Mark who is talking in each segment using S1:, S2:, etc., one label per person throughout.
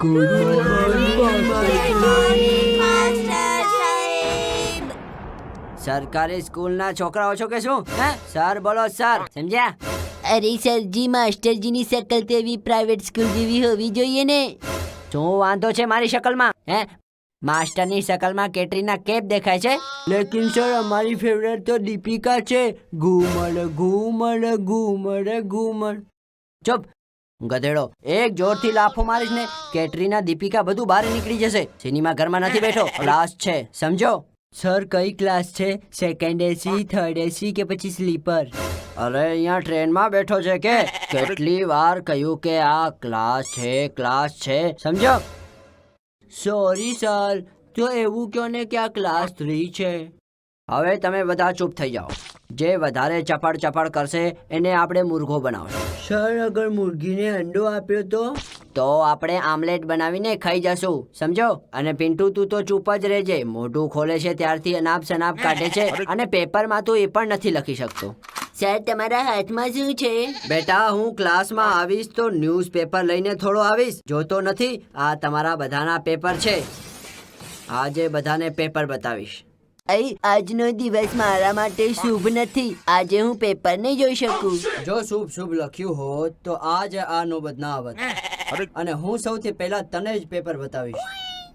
S1: Good morning
S2: સરકારી સ્કૂલના છોકરાઓ છો કે શું? હે સર બોલો સર, સમજ્યા?
S3: અરે સરજી, માસ્ટરજીની શકલ તો એવી પ્રાઇવેટ સ્કૂલ જેવી હોવી જોઈએ ને.
S2: શું વાંધો છે મારી શકલમાં? હે માસ્ટરની શકલમાં કેટરીના કેફ દેખાય છે. લેકિન સર અમારી ફેવરેટ તો દીપિકા છે. ઘૂમડ ઘૂમડ ઘૂમડ ઘૂમડ. ચૂપ ગધેડો, એક જોરથી લાફો મારીશ ને કેટરીના દીપિકા બધું બહાર નીકળી જશે. સિનેમા ઘરમાં નથી બેઠો, ક્લાસ છે, સમજો? સર કઈ ક્લાસ છે? સેકન્ડ એસી, થર્ડ એસી કે પછી સ્લીપર? અરે અહીંયા ટ્રેનમાં બેઠો છે કે કેટલી વાર કહ્યું કે આ ક્લાસ છે, ક્લાસ છે, સમજો? સોરી સર, તો એવું કહો ને કે આ ક્લાસ 3 છે. હવે તમે બધા ચૂપ થઈ જાઓ. જે વધારે ચપડ કરશે એને આપણે મુર્ગો બનાવશું. સર અગર મુર્ગીને અંડો આપ્યો તો આપણે આમલેટ બનાવીને ખાઈ જશું, સમજો? અને પિન્ટુ તું તો ચૂપ જ રહેજે. મોઢું ખોલે છે ત્યારથી અનાપ શનાપ કાઢે છે અને પેપરમાં તું એ પણ નથી લખી શકતો.
S3: સર, તમારા હાથમાં શું છે?
S2: બેટા હું ક્લાસમાં આવીશ તો ન્યૂઝપેપર લઈને થોડો આવીશ. જોતો નથી? આ તમારા બધાના પેપર છે. આજે બધાને પેપર બતાવીશ.
S3: આજનો દિવસ મારા માટે શુભ નથી. આજે હું પેપર નહીં જોઈ શકું.
S2: જો શુભ લખ્યું હોત તો આજ આ નોબત ના આવત. અને હું સૌથી પહેલા તને જ પેપર બતાવીશ.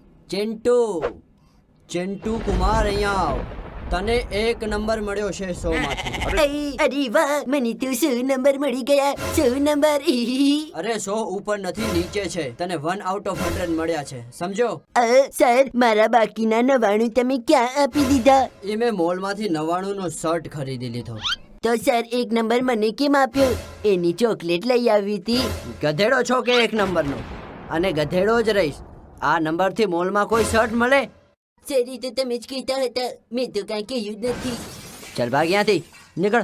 S2: ચિંટુ કુમાર, અહીંયા આવ. તને 1 નંબર મળ્યો છે 100 માંથી.
S3: અરે વાહ, મને તો 100 નંબર મળી ગયા. 100 નંબર.
S2: અરે 100 ઉપર નથી, નીચે છે. તને 1 આઉટ ઓફ 100 મળ્યા છે, સમજો?
S3: સર, મારા બાકીના 99 તમે ક્યાં આપી દીધા?
S2: એ મેં મોલમાંથી 99 નો શર્ટ ખરીદી લીધો.
S3: તો સર 1 નંબર મને કેમ આપ્યો? એની ચોકલેટ લઈ આવી હતી.
S2: ગધેડો છો કે 1 નંબરનો? અને ગધેડો જ રહીશ. આ નંબરથી મોલમાં કોઈ શર્ટ મળે?
S3: સર, એ તો તમે જ કહેતા હતા, મેં તો કાંઈ કહ્યું જ નથી.
S2: ચાલ ભાગ ત્યાંથી, નીકળ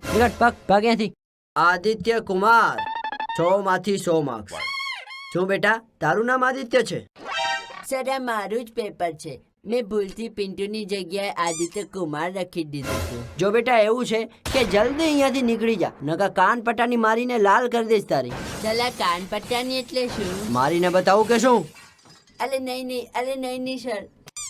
S2: ત્યાંથી. આદિત્ય કુમાર, 100 માંથી 100 માર્ક્સ. શું બેટા, તારું નામ આદિત્ય છે?
S3: સર, આ મારું જ પેપર છે. મેં ભૂલથી પિન્ટુની જગ્યાએ આદિત્ય કુમાર લખી દીધું હતું.
S2: જો બેટા એવું છે કે જલ્દી અહીંયાથી નીકળી જા, નકા કાન પટ્ટાની મારીને લાલ કરી દઈશ તારી.
S3: ચલા, કાન પટ્ટાની એટલે શું?
S2: મારીને બતાવું કે શું?
S3: અલે નહીં સર.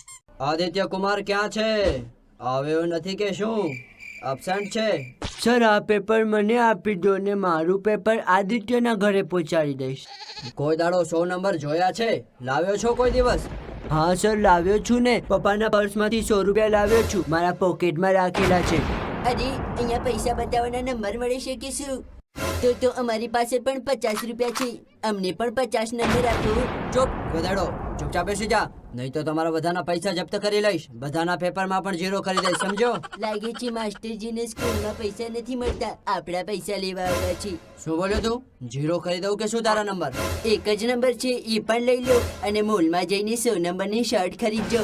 S2: આદિત્ય કુમાર ક્યાં છે? આવ્યો નથી કે શું? અબસેન્ટ છે? સર આ પેપર મને આપી દો ને મારું પેપર આદિત્યના ઘરે પહોંચાડી દઈશ. કોઈ દાડો 100 નંબર જોયા છે? લાવ્યો છો કોઈ દિવસ? હા સર, લાવ્યો છું ને. પપ્પાના પર્સમાંથી 100 રૂપિયા લાવ્યો છું, મારા પોકેટમાં રાખેલા છે.
S3: અરે, અહીંયા પૈસા બતાવવાના નંબર મળે છે કે શું? તો અમારી પાસે પણ 50 રૂપિયા છે. અમને પણ 50 નંબર આપો.
S2: ચૂપ ગધેડો, ચૂપચાપ બેસી જા, નહીં તો તમારા બધાના પૈસા જપ્ત કરી લઈશ. બધાના પેપરમાં પણ 0 કરી દઈશ, સમજો?
S3: લાગે છે માસ્ટરજીને સ્કૂલમાં પૈસા નથી મળતા, આપણા પૈસા લેવા આવ્યા છે.
S2: શું બોલ્યો તું? 0 કરી દઉં કે શું તારા નંબર?
S3: એક જ નંબર છે, એ પણ લઈ લો અને મોલમાં જઈને 100 નંબરની શર્ટ ખરીદજો.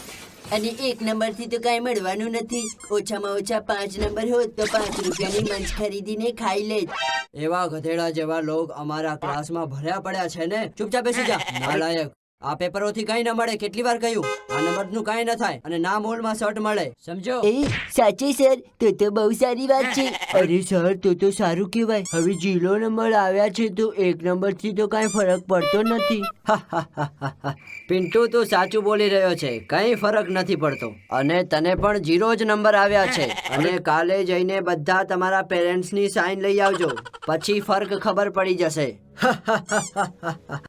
S3: અને 1 નંબરથી તો કાંઈ મળવાનું નથી. ઓછામાં ઓછા 5 નંબર હોત તો 5 રૂપિયાની મંચ ખરીદીને ખાઈ લેત.
S2: એવા ગધેડા જેવા લોક અમારા ક્લાસમાં ભર્યા પડ્યા છે ને. ચૂપચાપ બેસી જા, નાલાયક. આ પેપરોથી કઈ ન મળે, કેટલી વાર કહ્યું? આ નંબરનું કઈ ન થાય અને ના મોલમાં શર્ટ મળે, સમજો?
S3: સાચે સર, તો બહુ સારી વાત છે.
S2: અરે સર, તો સારું કહેવાય. હવે 0 નંબર આવ્યા છે તો 1 નંબરથી તો કઈ ફરક પડતો નથી. પિન્ટુ તું સાચું બોલી રહ્યો છે, કઈ ફરક નથી પડતો. અને તને પણ 0 જ નંબર આવ્યા છે. અને કાલે જઈને બધા તમારા પેરેન્ટ્સની સાઈન લઈ આવજો, પછી ફર્ક ખબર પડી જશે.